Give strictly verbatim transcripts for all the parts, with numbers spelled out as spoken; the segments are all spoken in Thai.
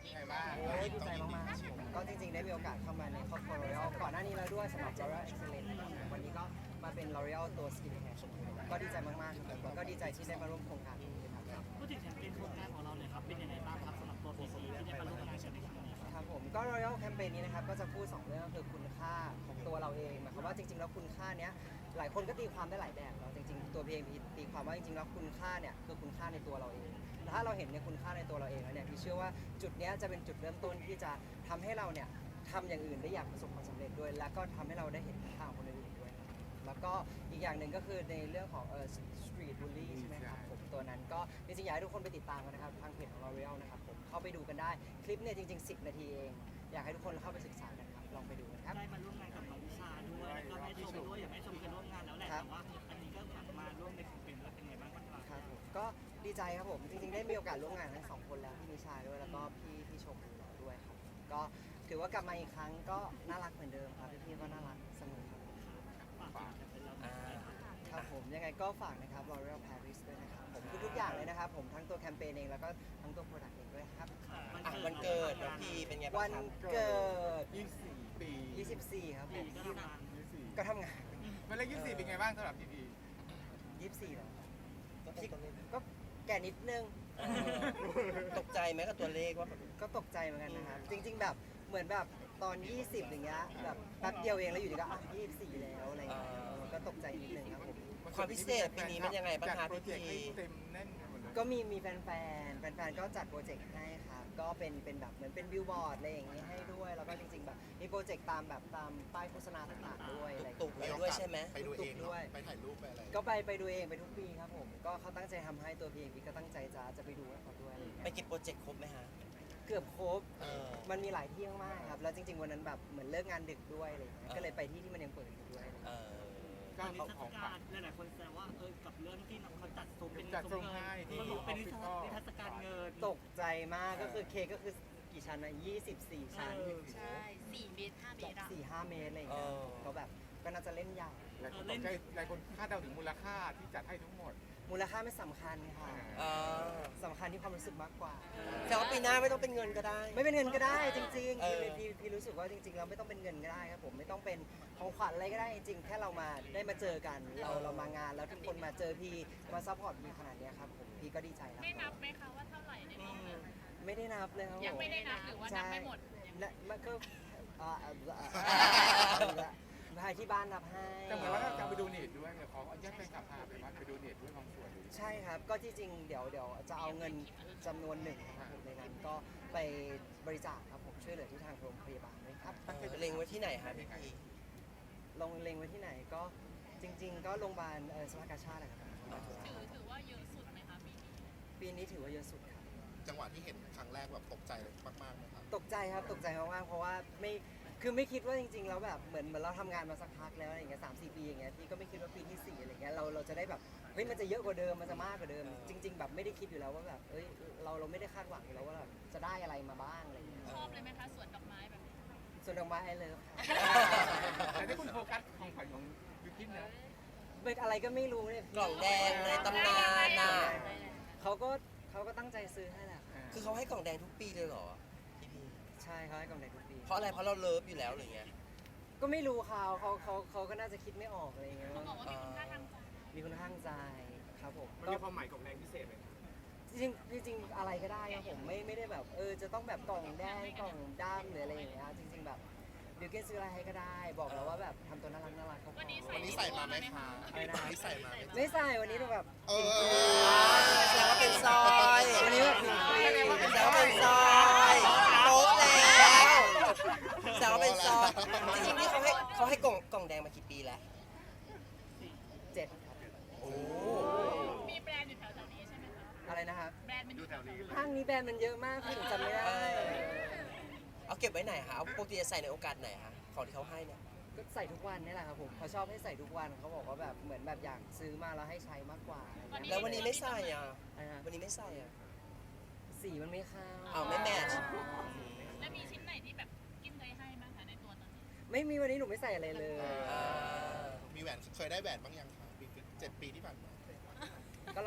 ไงบ้างโอ้ยดีใจมากๆครับผมก็จริงๆได้มีโอกาสเข้ามาในครอบครัว L'Oreal ก่อนหน้านี้แล้วด้วยสำหรับ L'Oreal Excellence นะครับวันนี้ก็มาเป็น L'Oreal ตัว Skin Care ก็ดีใจมากๆครับแล้วก็ดีใจที่ได้มาร่วมโครงการนี้ครับพูดถึงแคมเปญโครงการของเราเลยครับเป็นยังไงบ้างครับสำหรับตัวพีซีที่ได้มาร่วมงานกันในครั้งนี้ครับครับผมก็ Royal Campaign นี้นะครับก็จะพูดสองเรื่องก็คือคุณค่าของตัวเราเองหมายความว่าจริงๆแล้วคุณค่าเนี้ยหลายคนก็ตีความได้หลายแบบเนาะจริงๆตัวพีเองตีความว่าจริงๆแล้วคุณค่าเนี่ยคือคุณค่าในตัวเราเองแต่ถ้าเราเห็นในคุณค่าในตัวเราเองแล้วเนี่ยพี่เชื่อว่าจุดเนี้ยจะเป็นจุดเริ่มต้นที่จะทำให้เราเนี่ยทำอย่างอื่นได้อย่างประสบความสำเร็จด้วย แล้วก็ทำให้เราได้เห็นค่าของคนอื่นด้วยแล้วก็อีกอย่างหนึ่งก็คือในเรื่องของเอ่อ street bully ใช่ไหมครับผมตัวนั้นก็จริงๆอยากให้ทุกคนไปติดตามกันนะครับทางเพจของ L'Oreal นะครับผมเข้าไปดูกันได้คลิปเนี่ยจริงๆสิบนาทีเองอยากให้ทุกคนเข้าไปศึกษากันครับลองไปดูกันครับได้มาร่วมงานกับน้องวิชาด้วยแล้วก็แม่ชมด้วยอย่างแม่ชมเคยร่วมงานแล้วแหละแต่ว่าอันนี้ก็มาร่วมในแคมเปญแล้วเป็นไงบ้างครับครับผมก็ดีใจครับผมจริงๆได้มีโอกาสร่วมงานทั้งสองคนแล้วพี่นิชาด้วยแล้วก็พี่พี่ชมด้วยครับก็ถือว่ากลับมาอีกครั้งก็น่ารักเหมือนเดิมครับพี่ๆก็น่ารักเสมอครับฝากแคมเปญเราอ่าครับผมยังไงก็ฝากนะครับ L'Oreal Paris ด้วยนะครับผมทุกๆอย่างเลยนะครับผมทั้งตัวแคมเปญเองแล้วก็ทั้งตัวโปรดักต์เองด้วยครับอ่ะวันเกิดน้องพีเป็นไงบ้าวังนครับเกิดยี่สิบสี่ปียี่สิบสี่ครับผปีมก็ทำงานยี่สิบสี่ก็ทำงานวันเลขยี่สิบสี่เป็นไงบ้างสำหรับพีพียี่สิบสี่แล้วก็เป็นตัวเลขก็แก่นิดนึงเออตกใจไหมกับตัวเลขว่าแบบก็ตกใจเหมือนกันนะครับ จริง ๆ แบบเหมือนแบบตอน ยี่สิบ อย่างเงี้ยแบบแป๊บเดียวเองแล้วอยู่ดีก็อ่ะยี่สิบสี่ แล้วอะไรอย่างเงี้ยมันก็ตกใจนิดนึงครับผมความพิเศษปีนี้มันยังไงบ้างจัดคะโปรพี่เจกต์ให้พีเต็มแน่นไปหมดเลยก็มีมีแฟนๆ แฟนๆ ก็จัดโปรเจกต์ให้ครับ ก็เป็นเป็นแบบเหมือนเป็นบิลบอร์ดอะไรอย่างเงี้ยให้ด้วย แล้วก็จริง ๆ แบบมีโปรเจกต์ตามแบบตามป้ายโฆษณาต่างๆด้วยอะไรอย่างตุกเงี้ยๆไปด้วยใช่ไหมไปดูเองด้เนาะวยไปถ่ายรูปไปอะไรก็ไปไปดูเองไปทุกปีครับผม ก็เขาตั้งใจทำให้ตัวพีเองพี่ก็ตั้งใจจะจะไปดูให้เขาด้วยอะไรอย่างไปเงี้ยกินโปรเจกต์ครบไหมฮะเกือบครบเออมันมีหลายที่มากๆครับ แล้วจริง ๆ วันนั้นแบบเหมือนเลิกงานดึกด้วยอะไรอย่างเงี้ยเออก็เลยไปที่ที่มันยังเปิดอยู่ด้วยอะไรอย่างเอเงี้ยอก็ตอนนี้เอาเทขศองกาฝากลหลายๆคนแซวว่าเออกับเรื่องที่เขาจัดซุ้มเป็นจัดซุ้มเงิให้นที่มันเป็นนิทรรศ Hospital นิทรรศการเงินตกใจมากก็คือเค้กก็คือกี่ชั้นนะยี่สิบสี่ชั้นเออใช่สี่เมตรห้าเมตรอะสี่ห้าเมตรอะไรอย่างเงี้ยเออก็แบบก็น่าจะเล่นใหญ่หลายคนตกใจหลายคนคาดเดาถึงมูลค่าที่จัดให้ทั้งหมดมูลค่าไม่สำคัญค่ะเออสำคัญที่ความรู้สึกมากกว่าแต่ว่าปีหน้าไม่ต้องเป็นเงินก็ได้ไม่เป็นเงินก็ได้จริงๆเออพี่พี่พี่รู้สึกว่าจริงๆเราไม่ต้องเป็นเงินก็ได้ครับผมไม่ต้องเป็นของขวัญอะไรก็ได้จริงๆแค่เรามาได้มาเจอกันเราเรามางานแล้วทุกคนมาเจอพี่มาซัพพอร์ตพี่ขนาดเนี้ยครับผมพี่ก็ดีใจแล้วได้นับไหมคะว่าเท่าไหร่ในรอบนั้นไม่ได้นับเลยครับผมยังไม่ได้นับหรือว่านับไม่หมดและมันก็อ่าอ่าอ่าพาที่บ้านนับให้แต่เหมือนว่าจะไปดูเนตด้วยเนี่ยขออนุญาตแฟนคลับพาไปว่าไปดูเนตด้วยบางส่วนเลยใช่ครับก็ที่จริงเดี๋ยวเดี๋ยวจะเอาเงินจำนวนหนึ่งนะครับผมในนั้นก็ไปบริจาคครับผมช่วยเหลือที่ทางโรงพยาบาลด้วยครับเออเล็งไว้ที่ไหนฮะพี่พีลงเล็งไว้ที่ไหนก็จริง ๆ ก็โรงพยาบาลเอ่อสภากาชาติแหละครับถือถือว่าเยอะสุดไหมคะปีนี้ปีนี้ถือว่าเยอะสุดครับจังหวะที่เห็นครั้งแรกแบบตกใจมากๆนะครับตกใจครับตกใจมากๆเพราะว่าไม่คือไม่คิดว่าจริง ๆ แล้วแบบเหมือนเหมือนเราทำงานมาสักพักแล้วอะไรอย่างเงี้ยสามสี่ปีอย่างเงี้ยพี่ก็ไม่คิดว่าปีที่สี่อะไรเงี้ยเราเราจะได้แบบเฮ้ยมันจะเยอะกว่าเดิมมันจะมากกว่าเดิม จริง ๆ แบบไม่ได้คิดอยู่แล้วว่าแบบเอ้ยเราเราไม่ได้คาดหวังอยู่แล้วว่าแบบจะได้อะไรมาบ้างอะไรเงี้ยชอบเลยไหมคะสวนดอกไม้แบบนี้ส่วนดอกไม้ไอเลิฟแต่ที่คุณโฟกัสของขวัญของยูคินเนี่ยเป็นอะไรก็ไม่รู้เนี่ยกล่องแดงในตำนานน่ะเขาก็เขาก็ตั้งใจซื้อให้แหละคือเขาให้กล่องแดงทุกปีเลยเหรอพี่พีใช่เขาให้กล่องแดงทุกปีเพราะอะไรเพราะเราเลิฟอยู่แล้วหรือไงก็ไม่รู้เขาเขาเขาเขาก็น่าจะคิดไม่ออกอะไรเงี้ยเขาบอกว่ามีคุณค่าทางใจมีคุณข้างใจครับผมมันก็มีความหมายของแรงพิเศษไหมจริงๆจริงๆอะไรก็ได้ครับผมไม่ไม่ได้แบบเออจะต้องแบบกล่องแดงกล่องด้ามหรืออะไรอย่างเงี้ยจริง ๆ แบบบิวเกนซื้ออะไรให้ก็ได้ บอกแล้วว่าแบบทำตัวน่ารักน่ารักเขาพอวันนี้วันนี้ใส่มาไหมคะอะไรนะวันนี้ใส่มาไหมไม่ใส่วันนี้แบบเออแสดงว่าเป็นซอยวันนี้แบบผิวฟรีแสดงว่าเป็นซอยโต๊ะแล้วแสดงว่าเป็นซอยจริงๆนี่เขาให้เขาให้กล่องกล่องแดงมากี่ปีแล้วเจ็ดครับโอ้มีแบรนด์อยู่แถวๆนี้ใช่ไหมคะอะไรนะครับแบรนด์มันอยู่แถวนี้ห้างนี้แบรนด์มันเยอะมากพี่หนูจำไม่ได้เอาเก็บไว้ไหนคะเอาปกติจะใส่ในโอกาสไหนคะของที่เขาให้เนี่ยก็ใส่ทุกวันนี่แหละครับผมเขาชอบให้ใส่ทุกวันเขาบอกว่าแบบเหมือนแบบอยากซื้อมาแล้วให้ใช้มากกว่าอะไรเงี้ยแล้ววันนี้ไม่ใส่อ่ะอะไรนะวันนี้ไม่ใส่อ่ะสีมันไม่เข้าอ้าวไม่แมทช์แล้วมีชิ้นไหนที่แบบกินเคยให้บ้างคะในตัวตอนนี้ไม่มีวันนี้หนูไม่ใส่อะไรเลยอ่ามีแหวนเคยได้แหวนบ้างยังคะปีเจ็ดปีที่ผ่านมาก็รออยู่ครับ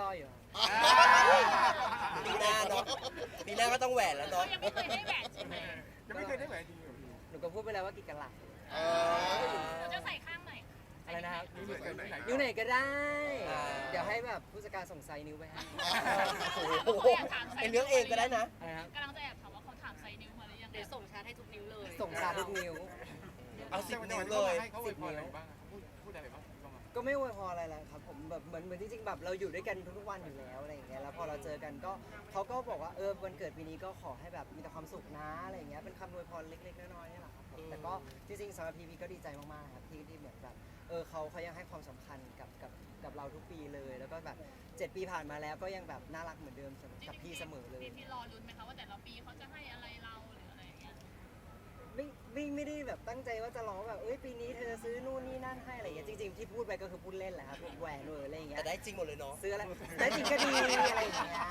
ปีหน้าเนาะปีหน้าก็ต้องแหวนแล้วเขาเนาะยังไม่เคยให้แหวนใช่ไหมยังไม่เคยได้แหวนจริงเหรอพี่หนูก็พูดไปแล้วว่ากี่กะลัดเออเราจะใส่ข้างไหนอะไรนะครับนี่เหมือนกันที่ไหนนิ้วไหนก็ได้อ่าเดี๋ยวให้แบบผู้จัดการส่งไซส์นิ้วไปให้โอ้โหไอเรื่องเองก็ได้นะอะไรนะครับกำลังจะแอบถามว่าเขาถามไซส์นิ้วมาหรือยังเดี๋ยวส่งชาร์จให้ทุกนิ้วเลยส่งชาทุกนิ้วเอาสิบแต่นิ้ววันเลนี้ยให้เขาอวยพรอะไรบ้างอะพูดพูดอะไรบ้างบ้างอะก็ไม่อวยพรอะไรแหละครับผมแบบเหมือนเหมือนจริงๆแบบเราอยู่ด้วยกันทุกๆวันอยู่แล้วอะไรอย่างเงี้ยแล้วพอเราเจอกันก็เขาก็บอกว่าเออวันเกิดปีนี้ก็ขอให้แบบมีแต่ความสุขนะอะไรอย่างเงี้ยเป็นคำอวยพรเล็กๆน้อยๆนี่แหละครับผมแต่ก็จริงๆสำหรับพีพีก็ดีใจมากๆครับที่ที่เหมือนแบบเออเขาเขายังให้ความสำคัญกับกับกับเราทุกปีเลย แล้วก็แบบเจ็ดปีผ่านมาแล้วก็ยังแบบน่ารักเหมือนเดิมกับพี่เสมอเลยพี่พี่รอลุ้นไหมคะว่าแต่ละปีเขาจะให้อะไรเราหรืออะไรอย่างเงี้ยไม่ไม่ไม่ได้แบบตั้งใจว่าจะร้องแบบเอ้ยปีนี้เธอซื้อนู่นนี่นั่นให้อะไรอย่างเงี้ยจริงๆที่พูดไปก็คือพูดเล่นแหละครับพวกแหวนหรืออะไรอย่างเงี้แต่ยได้จริงหมดเลยเนาะซื้ออะไรได้จริงก็ดีอะไรอย่างเงี้ย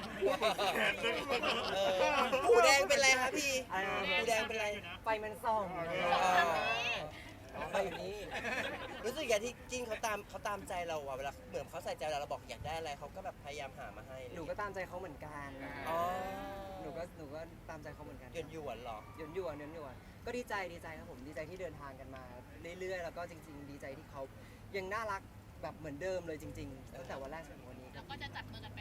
เออหูแดงเป็นไรคะพี่อะไรนะหูแดงเป็นไรไฟมันส่องอ๋อไฟอยู่นี่รู้สึกอย่างที่จริงเขาตามเขาตามใจเราอะเวลาเหมือนเขาใส่ใจเราเราบอกอยากได้อะไรเขาก็แบบพยายามหามาให้หนูก็ตามใจเขาเหมือนกันอ๋อหนูก็หนูก็ตามใจเขาเหมือนกันหยวนหยวนๆเหรอหยวนหยวนหยวนหยวนก็ดีใจดีใจครับผมดีใจที่เดินทางกันมาเรื่อยๆ แล้วก็จริง ๆ ดีใจที่เขายังน่ารักแบบเหมือนเดิมเลยจริงๆตั้งแต่วันแรกจนถึงวันนี้คแล้รับวก็จะจับมือกัน